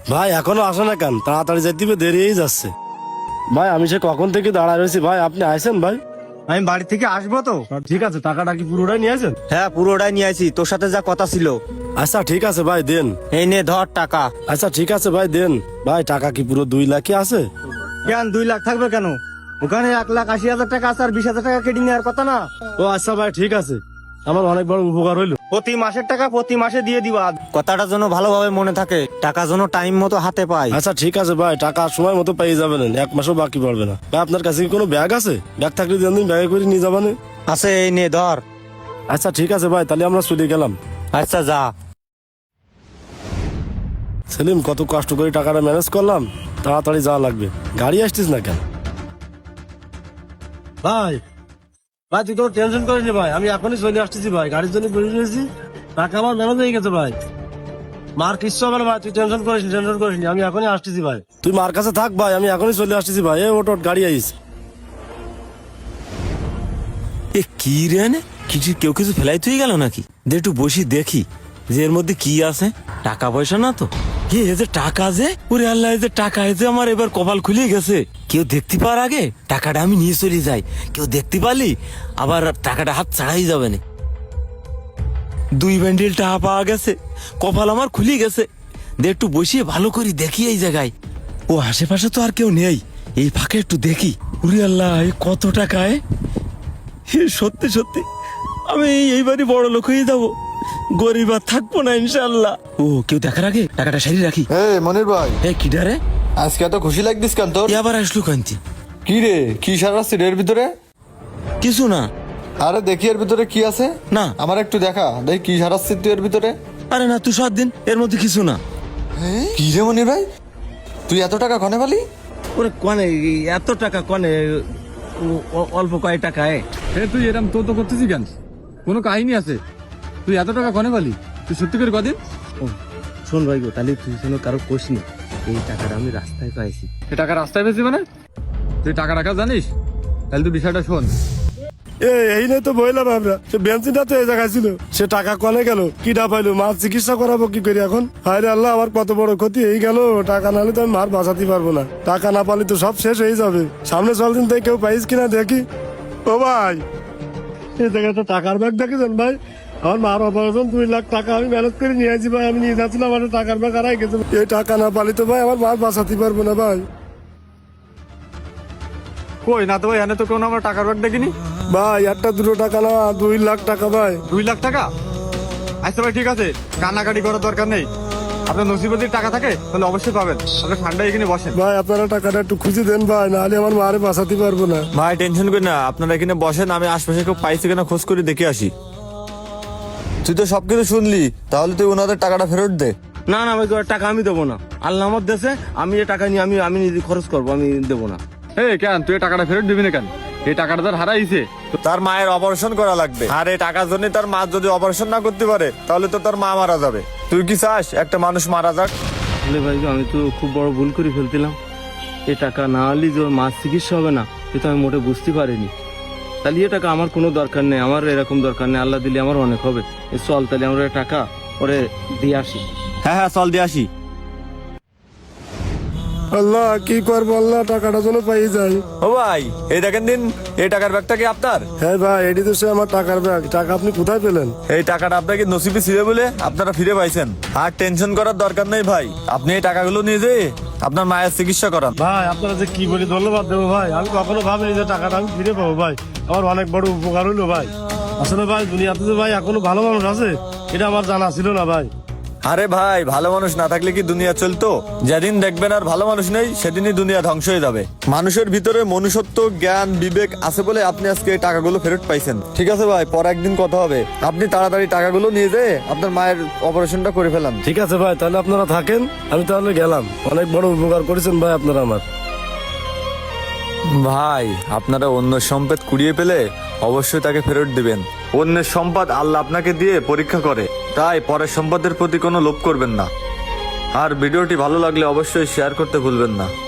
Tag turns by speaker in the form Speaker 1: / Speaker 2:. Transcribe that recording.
Speaker 1: ভাই এখনো আসে না কেন? তাড়াতাড়ি যাইতে হবে, দেরি হয়ে যাচ্ছে। ভাই আমি সে কখন থেকে দাঁড়ায় রয়েছি, ভাই আপনি আইছেন? ভাই
Speaker 2: আমি বাড়ি থেকে আসবো তো।
Speaker 1: ঠিক আছে, টাকাটা কি পুরোটাই নিয়ে আসেন?
Speaker 2: হ্যাঁ, পুরোটাই নিয়ে আসি, তোর সাথে যা কথা ছিল।
Speaker 1: আচ্ছা ঠিক আছে ভাই, দেন।
Speaker 2: এই নে ধর টাকা।
Speaker 1: আচ্ছা ঠিক আছে ভাই, দেন। ভাই টাকা কি পুরো 2 লাখই আছে?
Speaker 2: কেন 2 লাখ থাকবে কেন? ওখানে 1,80,000 টাকা আছে আর 20,000 টাকা কেটে নেওয়ার কথা না।
Speaker 1: ও আচ্ছা ভাই, ঠিক আছে, আমার অনেক বড় উপকার হইলো।
Speaker 2: প্রতি মাসের টাকা প্রতি মাসে দিয়ে দিবা। কথাটা যেন ভালোভাবে মনে থাকে, টাকা যেন টাইম মতো হাতে পাই।
Speaker 1: আচ্ছা ঠিক আছে ভাই, টাকা সময় মতো পেয়ে যাবেন, 1 মাসও বাকি পড়বে না। ভাই আপনার কাছে কি কোনো ব্যাগ আছে? ব্যাগ থাকলে দিন, ব্যাগে করে নিয়ে যাবেন।
Speaker 2: আছে, এই নে ধর।
Speaker 1: আচ্ছা ঠিক আছে ভাই, তাহলে আমরা চলে গেলাম।
Speaker 2: আচ্ছা যা।
Speaker 1: সেলিম, কত কষ্ট করে টাকাটা ম্যানেজ করলাম, তাড়াতাড়ি যাওয়া লাগবে। গাড়ি আসছিস না কেন? ভাই ভাই তুই কোনো টেনশন করিস না ভাই, আমি এখনই চলে আসতেছি ভাই, গাড়ির জন্য বেরিয়ে রয়েছি, টাকা আমার ম্যানেজ হয়ে গেছে ভাই। মার কিচ্ছু হবে না ভাই, তুই টেনশন করিস নি, আমি এখনই আসতেছি ভাই। তুই মার কাছে থাক ভাই, আমি এখনই চলে আসতেছি ভাই। এ ওট গাড়ি আইস।
Speaker 3: এ কি রে, কেউ কিছু ফেলাই তুই গেল নাকি? দে একটু বসি দেখি যে এর মধ্যে কি আছে। টাকা পয়সা না তো? কি এই যে টাকা, যে ওরে আল্লাহ, এই যে টাকা, এই যে আমার এবার কপাল খুলে গেছে। কেউ দেখতে পাওয়ার আগে টাকাটা আমি নিয়ে চলে যাই, কেউ দেখতে পারলি আবার টাকাটা হাত ছাড়াই যাবে না। 2 বান্ডিল টাকা পাওয়া গেছে, কপাল আমার খুলে গেছে। দে একটু বসিয়ে ভালো করে দেখি এই জায়গায়। ও আশেপাশে তো আর কেউ নেই, এই ফাঁকে একটু দেখি। ওরে আল্লাহ, এই কত টাকায়! সত্যি সত্যি আমি এইবারই বড় লোক হয়ে যাবো, গরিব আর থাকবো না ইনশাল্লাহ। ও কেউ দেখার আগে টাকাটা সারি রাখি।
Speaker 4: মনির ভাই,
Speaker 3: কি ডারে
Speaker 4: আজকে এত খুশি লাগতিস কেন তোর?
Speaker 3: আবার আসলো কান্তি?
Speaker 4: কি রে, কি সারাচ্ছি এর ভিতরে?
Speaker 3: কিছু না।
Speaker 4: আরে দেখি এর ভিতরে কি আছে।
Speaker 3: না।
Speaker 4: আমার একটু দেখা, দেখি কি সারাচ্ছি তুই এর ভিতরে।
Speaker 3: আরে না, তুই 7 দিন, এর মধ্যে কিছু না।
Speaker 4: কি রে মনির ভাই, তুই এত টাকা কনে পালি?
Speaker 3: ওরে কনে এত টাকা, কনে অল্প কয় টাকায়।
Speaker 5: তুই এরকম তো করতেছিস কেন? কোনো কাহিনী আছে? তুই এত টাকা কনে পালি? তুই সত্যি করে কদিন?
Speaker 3: শোন ভাই গো, তাহলে তুই যেন কারো কোষ নি, এই টাকাটা আমি রাস্তায় পাইছি।
Speaker 5: এই টাকা রাস্তায় পেয়েছি মানে? তুই টাকা রাখা জানিস? তাহলে তুই বিষয়টা শোন।
Speaker 1: এই নেই তো বললাম আমরা, সে বেঞ্চিনটা তো এই জায়গায় ছিল, সে টাকা কনে গেল, কিটা পাইলো, মার চিকিৎসা করাবো কি করি এখন? হায়রে আল্লাহ, আমার কত বড় ক্ষতি হয়ে গেল। টাকা নাহলে তো আমি মার বাঁচাতে পারবো না, টাকা না পালি তো সব শেষ হয়ে যাবে। সামনে চল দিন থেকে কেউ পাইস কিনা দেখি। ও ভাই, এই জায়গায় তো টাকার ব্যাগ দেখেছেন ভাই? আমার মার অপারেশন 2 লাখ টাকা আমি ম্যানেজ করে নিয়ে আসি ভাই, আমি নিয়ে যাচ্ছিলাম, আমার টাকার ব্যাগ হারাই গেছে। এই টাকা না পালি তো ভাই আমার মার বাঁচাতে পারবো না ভাই।
Speaker 5: কই না তো ভাই, এনে তো কোনো আমার টাকার ব্যাগ দেখিনি।
Speaker 1: ভাই একটা 2 টাকা না, 2 লাখ টাকা ভাই।
Speaker 5: 2 লাখ টাকা? আচ্ছা ভাই ঠিক আছে, কান্নাকাটি করার দরকার নেই। আপনার নসিবে যদি টাকা থাকে তাহলে অবশ্যই পাবেন। আপনি ঠান্ডায় এখানে বসেন।
Speaker 1: ভাই আপনারা টাকাটা একটু খুঁজে দেন ভাই, নাহলে আমার মারে বাঁচাতে পারবো না।
Speaker 3: ভাই টেনশন করি না, আপনারা এখানে বসেন, আমি আশপাশে কেউ পাইছে কিনা খোঁজ করে দেখে আসি।
Speaker 4: তুই তো সবকিছু শুনলি, তাহলে তুই ওনাদের টাকাটা ফেরত দে।
Speaker 3: না না ভাই, টাকা আমি দেবো না। আল্লাহ আমার দেশে, আমি এই টাকা নিয়ে আমি নিজে খরচ করবো, আমি দেবো না।
Speaker 5: কেন তুই এই টাকাটা ফেরত দিবি না কেন? এই টাকাটা তার হারাইছে।
Speaker 4: তার মায়ের অপারেশন করা লাগবে, আর এই টাকার জন্য তার মা যদি অপারেশন না করতে পারে তাহলে তো তার মা মারা যাবে। তুই কি চাস একটা মানুষ মারা যাক?
Speaker 3: আসলে ভাই আমি তো খুব বড় ভুল করে ফেলছিলাম। এই টাকা না হলে যে ওর মাছ চিকিৎসা হবে না, এটা আমি মোটে বুঝতে পারিনি। তাহলে এ টাকা আমার কোনো দরকার নেই, আমার এরকম দরকার নেই, আল্লাহ দিলে আমার অনেক হবে। চল তাহলে আমরা টাকা ওরে দিয়ে আসি।
Speaker 4: হ্যাঁ চল দিয়ে আসি।
Speaker 1: আল্লাহ কি করবো, আল্লাহ টাকাটা যেন পাই যাই।
Speaker 4: ও ভাই, এই দেখেন দিন, এই টাকার ব্যাগটা কি আপনার?
Speaker 1: হ্যাঁ ভাই, এটি তো সে আমার টাকার ব্যাগ। টাকা আপনি কোথায় পেলেন?
Speaker 4: এই টাকাটা আপনাকে নসিবে ছিল বলে আপনারা ফিরে পাইছেন। আর টেনশন করার দরকার নেই ভাই, আপনি এই টাকাগুলো নিয়ে যেয়ে আপনার মায়ের চিকিৎসা করান।
Speaker 1: ভাই আপনারা যে কি বলি ধন্যবাদ দেবো ভাই, আমি কখনো ভাবিনি যে টাকাটা আমি ফিরে পাবো ভাই। আমার অনেক বড় উপকার হইলো ভাই। আসলে ভাই দুনিয়াতে যে ভাই এখনো ভালো মানুষ আছে, এটা আমার জানা ছিল না ভাই।
Speaker 4: আরে ভাই, ভালো মানুষ না থাকলে কি দুনিয়া চলতো? যেদিন দেখবেন আর ভালো মানুষ নেই, সেদিনই দুনিয়া ধ্বংস হয়ে যাবে। মানুষের ভিতরে মনুষ্যত্ব, জ্ঞান, বিবেক আছে বলে আপনি আজকে এই টাকাগুলো ফেরত পাইছেন। ঠিক আছে ভাই, পরে একদিন কথা হবে। আপনি তাড়াতাড়ি টাকাগুলো নিয়ে যেয়ে আপনার মায়ের অপারেশনটা করে ফেলান।
Speaker 1: ঠিক আছে ভাই, তাহলে আপনারা থাকেন, আমি তাহলে গেলাম। অনেক বড় উপকার করেছেন ভাই আপনারা আমার।
Speaker 4: ভাই আপনারা অন্য সম্পদ কুড়িয়ে পেলে অবশ্যই তাকে ফেরত দিবেন। অন্যের সম্পদ আল্লাহ আপনাকে দিয়ে পরীক্ষা করে, তাই পরের সম্পদের প্রতি কোনো লোভ করবেন না। আর ভিডিওটি ভালো লাগলে অবশ্যই শেয়ার করতে ভুলবেন না।